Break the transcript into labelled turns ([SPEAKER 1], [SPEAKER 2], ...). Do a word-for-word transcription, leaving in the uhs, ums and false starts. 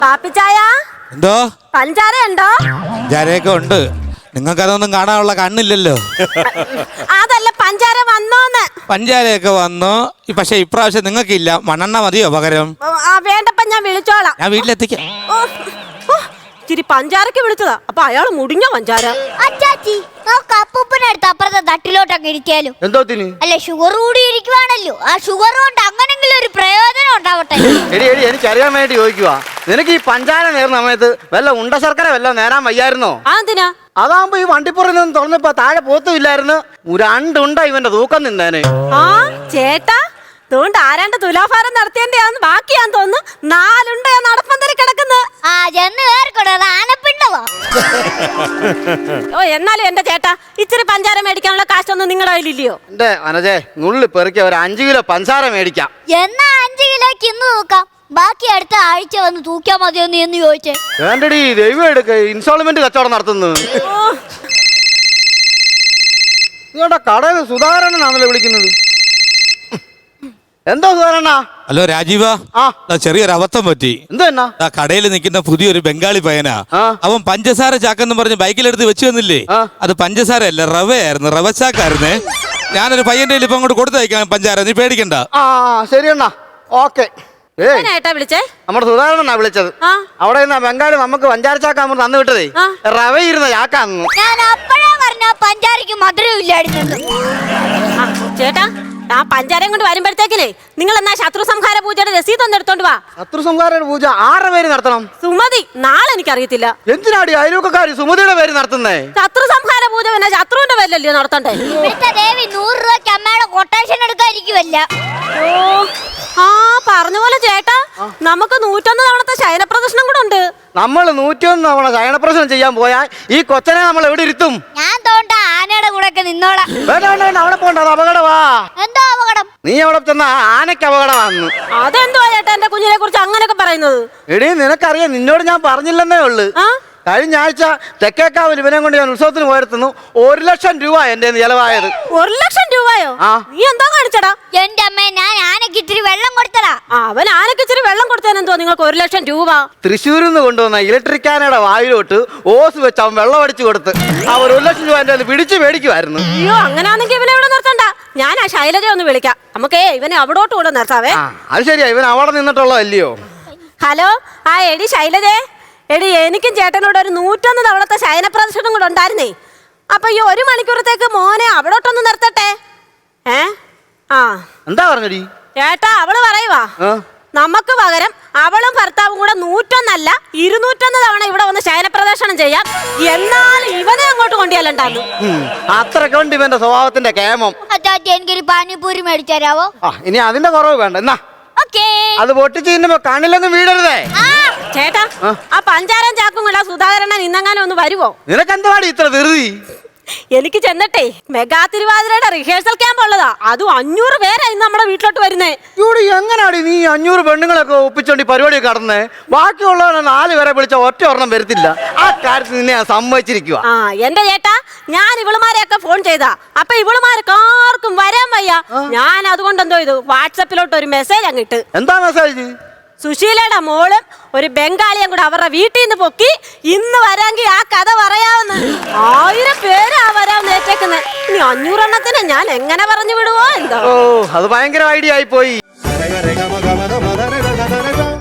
[SPEAKER 1] പാപ്പിച്ചായ
[SPEAKER 2] എന്തോ
[SPEAKER 1] പഞ്ചാര ഉണ്ടോ?
[SPEAKER 2] പഞ്ചാരയൊക്കെ ഉണ്ട്. നിങ്ങൾക്ക് അതൊന്നും കാണാനുള്ള കണ്ണില്ലല്ലോ.
[SPEAKER 1] അതല്ല പഞ്ചാര വന്നോന്ന്.
[SPEAKER 2] പഞ്ചാരയൊക്കെ വന്നു. പക്ഷെ ഇപ്രാവശ്യം നിങ്ങൾക്കില്ല. മണ്ണെണ്ണ മതിയോ പകരം?
[SPEAKER 1] ആ വേണ്ടപ്പ ഞാൻ വിളിച്ചോളാം.
[SPEAKER 2] ഞാൻ വീട്ടിലെത്തിക്കാം.
[SPEAKER 1] ഇച്ചിരി പഞ്ചാരക്ക് വിളിച്ചതാ. അപ്പൊ അയാള് മുടിഞ്ഞ പഞ്ചാര.
[SPEAKER 3] അച്ചാച്ചി നമുക്ക് അപ്പൂപ്പനടുത്ത് അപ്പുറത്തെ തട്ടിലോട്ടൊക്കെ ഇരിക്കാലോ.
[SPEAKER 4] എന്തോത്തിന്?
[SPEAKER 3] അല്ല ഷുഗർ കൂടി ഇരിക്കുവാണല്ലോ. ആ ഷുഗർ കൊണ്ട് അങ്ങനെങ്കിലും ഒരു പ്രയോജനം ഉണ്ടാവട്ടെ.
[SPEAKER 4] എടി എടി എനിക്കറിയാൻ വേണ്ടി ചോദിക്കുവാ, നിനക്ക് ഈ പഞ്ചാര നേർന്ന സമയത്ത് വല്ല ഉണ്ട ശർക്കര വല്ല നേരാൻ വയ്യായിരുന്നോ?
[SPEAKER 1] ആ എന്തിനാ?
[SPEAKER 4] അതാകുമ്പോ ഈ വണ്ടിപ്പുറത്ത് നിന്ന് തുറന്നപ്പോ താഴെ പോത്തുമില്ലായിരുന്നു. രണ്ടുണ്ട ഇവന്റെ തൂക്കം നിന്നേനെ.
[SPEAKER 1] ആ ചേട്ടാ അതുകൊണ്ട് ആരാണ്ട് തുലാഭാരം നടത്തിയതിന്റെയാന്ന് ബാക്കിയാന്ന് തോന്നുന്നു. നാലുണ്ട നടപ്പന്തരി കിടക്കുന്നത്.
[SPEAKER 3] ആ ചെന്ന് കേറിക്കോട്ടെ, അത് ആനപ്പിണ്ടവാ.
[SPEAKER 1] ഓ എന്നാലും എന്റെ ചേട്ടാ ഇച്ചിരി പഞ്ചാര മേടിക്കാനുള്ള കാശൊന്നും നിങ്ങളുടെ കയ്യിലില്ലയോ?
[SPEAKER 4] എന്റെ മനജേ നുള്ളി പെറുക്കിയ ഒരു അഞ്ചു കിലോ പഞ്ചാര മേടിക്കാം.
[SPEAKER 3] എന്നാ അഞ്ചു കിലോക്ക് ഇന്ന് തൂക്കാം, ബാക്കി അടുത്ത ആഴ്ച വന്ന് തൂക്കിയാ മതിയെന്ന് എന്ന് ചോദിച്ചേ.
[SPEAKER 4] വേണ്ടടി ദൈവം എടുക്ക ഇൻസ്റ്റാൾമെന്റ് കച്ചവടം നടത്തുന്നു. നിങ്ങളുടെ കടയിൽ സുധാകരനാണല്ലോ വിളിക്കുന്നത്. എന്തോ സുധാകരണ്ണ?
[SPEAKER 2] ഹലോ രാജീവ.
[SPEAKER 4] ആ
[SPEAKER 2] ചെറിയൊരു അബദ്ധം പറ്റി.
[SPEAKER 4] എന്തോ എന്നാ?
[SPEAKER 2] ആ കടയിൽ നിൽക്കുന്ന പുതിയൊരു ബംഗാളി പയ്യനാ. അവൻ പഞ്ചസാര ചാക്കെന്ന് പറഞ്ഞ് ബൈക്കിലെടുത്ത് വെച്ച് വന്നില്ലേ, അത് പഞ്ചസാര അല്ല റവയായിരുന്നു. റവ ചാക്കായിരുന്നേ. ഞാനൊരു പയ്യന്റെ ഇപ്പൊ അങ്ങോട്ട് കൊടുത്തയക്കാം പഞ്ചാര, നീ പേടിക്കണ്ട.
[SPEAKER 4] ആ ശരി അണ്ണാ, ഓക്കെ.
[SPEAKER 1] ഏട്ടാ വിളിച്ചേ?
[SPEAKER 4] നമ്മുടെ സുധാകരനാ വിളിച്ചത്. അവിടെ നിന്ന് ബംഗാളി നമുക്ക് പഞ്ചാര ചാക്കാൻ നമ്മൾ തന്നു വിട്ടതേ റവ ഇരുന്ന ചാക്കാന്നു.
[SPEAKER 3] ഞാൻ അപ്പഴേ പറഞ്ഞ പഞ്ചാരക്ക് മധുരം ഇല്ലായിരുന്നു.
[SPEAKER 1] ചേട്ടാ ആ പഞ്ചാരയും കൊണ്ട് വരുമ്പോഴത്തേക്കിനെ നിങ്ങൾ എന്നാ ശത്രു സംഹാര പൂജയുടെ രസീത് ഒന്ന് എടുത്തോണ്ട് വാ.
[SPEAKER 4] ശത്രു സംഹാര പൂജ ആരുടെ പേര് നടത്തണം?
[SPEAKER 1] സുമതി. നാളെ എനിക്കറിയത്തില്ല.
[SPEAKER 4] എന്തിനാടി അയൽവക്കക്കാരി സുമതിയുടെ പേര് നടത്തുന്നേ?
[SPEAKER 1] ശത്രു സംഹാര പൂജ പിന്നെ ശത്രുവിന്റെ പേരിലല്ലയോ നടത്തണ്ടേ?
[SPEAKER 3] ദേവി നൂറ് രൂപയ്ക്ക് അമ്മയുടെ കൊട്ടേഷൻ എടുക്കാതിരിക്കുവല്ല.
[SPEAKER 1] ഓ ആ പറഞ്ഞ പോലെ ചേട്ടാ നമുക്ക് നൂറ്റൊന്ന് തവണത്തെ ശയനപ്രദർശനം കൂടെ ഉണ്ട്.
[SPEAKER 4] നമ്മൾ നൂറ്റിയൊന്ന് തവണ ശയനപ്രദർശനം ചെയ്യാൻ പോയാൽ ഈ കൊച്ചനെ നമ്മൾ എവിടെ ഇരുത്തും?
[SPEAKER 3] ഞാൻ തോണ്ട ആനയുടെ കൂടെ ഒക്കെ നിന്നോളാം.
[SPEAKER 4] വേണ്ട വേണ്ട വേണ്ട, അവിടെ പോണ്ട, അത് അപകടമാ.
[SPEAKER 3] എന്താ അപകടം?
[SPEAKER 4] നീ അവിടെ ചെന്ന ആനയ്ക്ക് അപകടമാണെന്ന്.
[SPEAKER 1] അതെന്തുവാ ചേട്ടാ എന്റെ കുഞ്ഞിനെ കുറിച്ച് അങ്ങനെയൊക്കെ പറയുന്നത്?
[SPEAKER 4] എടീ നിനക്കറിയാം, നിന്നോട് ഞാൻ പറഞ്ഞില്ലെന്നേ ഉള്ളു. കഴിഞ്ഞ ആഴ്ച തെക്കേക്കാവിൽ ഇവനെ കൊണ്ട് ഞാൻ ഉത്സവത്തിന് പോയിരുന്നു. ഒരു ലക്ഷം രൂപ എന്റെ ചെലവായത്.
[SPEAKER 1] ഒരു ലക്ഷം രൂപയോ? നീ എന്താ കാണിച്ചടാ?
[SPEAKER 3] എന്റെ അമ്മ ഞാൻ ആനക്ക് ഇത്തിരി വെള്ളം കൊടുത്തടാ.
[SPEAKER 1] അവൻ ആനക്ക് ഇച്ചിരി വെള്ളം കൊടുത്തതിനെന്തോ നിങ്ങൾക്ക് ഒരു ലക്ഷം രൂപ?
[SPEAKER 4] തൃശ്ശൂരിൽ നിന്ന് കൊണ്ടുവന്ന ഇലക്ട്രിക് ആനയുടെ വായിലോട്ട് ഓസ് വെച്ച് അവൻ വെള്ളം അടിച്ചു കൊടുത്ത് അവർ ഒരു ലക്ഷം രൂപ എന്റെ പിടിച്ചു മേടിക്കുമായിരുന്നു.
[SPEAKER 1] അയ്യോ അങ്ങനെയാണെങ്കിൽ ഇവനെ ഇവിടെ നിർത്തണ്ട. ഞാൻ ആ ശൈലജ ഒന്ന് വിളിക്കാം. നമുക്കേ ഇവനെ അവിടോട്ട് കൂടെ നിർത്താവേ.
[SPEAKER 4] അത് ശരിയാ, ഇവൻ അവിടെ നിന്നിട്ടുള്ളതല്ലയോ.
[SPEAKER 1] ഹലോ ആ എടി ശൈലജേ, എടി എനിക്കും ചേട്ടനോട് ഒരു നൂറ്റൊന്ന് തവണത്തെ ശയന പ്രദർശനം കൂടെ ഉണ്ടായിരുന്നേ. അപ്പൊ ഈ ഒരു മണിക്കൂറത്തേക്ക് മോനെ അവിടോട്ടൊന്ന് നിർത്തട്ടെ. ഏ ആ
[SPEAKER 4] എന്താ പറഞ്ഞടി
[SPEAKER 1] ചേട്ടാ? അവള് പറയുവാ നമുക്ക് പകരം അവളും ഭർത്താവും കൂടെ നൂറ്റൊന്നല്ല ഇരുന്നൂറ്റൊന്ന് തവണ ഇവിടെ വന്ന് ശയന പ്രദർശനം ചെയ്യാം. എന്നാൽ ഇവനെ അങ്ങോട്ട് കൊണ്ടുപോയാലുണ്ടാകും.
[SPEAKER 4] അത്രയ്ക്ക് ഉണ്ട് ഇവന്റെ സ്വഭാവത്തിന്റെ കേമം.
[SPEAKER 3] എനിക്കൊരു പാനിപൂരി മേടിച്ചു തരാവോ?
[SPEAKER 4] ഇനി അതിന്റെ കുറവ് വേണ്ട. എന്നാ അത് പൊട്ടിച്ച് തിന്നുമ്പോ കണ്ണിലൊന്നും വീടരുതേ.
[SPEAKER 1] ചേട്ടാ ആ പഞ്ചാരം ചാക്കും കൂടെ സുധാകരണ്ണൻ ഇന്നെങ്ങാനും ഒന്ന് വരുവോ?
[SPEAKER 4] നിനക്കെന്തുവാടി ഇത്ര ധൃതി?
[SPEAKER 1] എനിക്ക് ചെന്നിട്ടേ മെഗാ തിരുവാതിരയുടെ റിഹേഴ്സൽ ക്യാമ്പ് ഉള്ളതാ. അതും അഞ്ഞൂറ് പേരാ ഇന്ന് നമ്മുടെ വീട്ടിലോട്ട് വരുന്നേ.
[SPEAKER 4] ഇവിടെ എങ്ങനാടി നീ അഞ്ഞൂറ് പെണ്ണുങ്ങളൊക്കെ ഒപ്പിച്ചോണ്ടി പരിപാടി കടന്നേ? ബാക്കിയുള്ളവനെ നാല് പേരെ വിളിച്ച ഒറ്റ ഒരെണ്ണം വരത്തില്ല. ആ കാര്യത്തിൽ നിന്നെ ഞാൻ സമ്മതിച്ചിരിക്കുക.
[SPEAKER 1] ആ എന്റെ ചേട്ടാ ഞാൻ ഇവളുമാരെയൊക്കെ ഫോൺ ചെയ്താ അപ്പൊ ഇവളുമാർക്ക് ആർക്കും വരാൻ വയ്യ. ഞാൻ അതുകൊണ്ട് എന്തോ ഇത് വാട്സപ്പിലോട്ട് ഒരു മെസ്സേജ് അങ്ങിട്ട്.
[SPEAKER 4] എന്താ മെസ്സേജ്?
[SPEAKER 1] സുശീലയുടെ മോളും ഒരു ബംഗാളിയും കൂടെ അവരുടെ വീട്ടിൽ നിന്ന് പൊക്കി ഇന്ന് വരാമെങ്കിൽ ആ കഥ പറയാവുന്ന ആയിരം പേരാ വരാമെന്ന് ഏറ്റേക്കുന്നത്. ഇനി അഞ്ഞൂറെണ്ണത്തിന് ഞാൻ എങ്ങനെ പറഞ്ഞു വിടുവോ എന്തോ.
[SPEAKER 4] ഓ അത് ഭയങ്കര ഐഡിയ ആയി പോയി.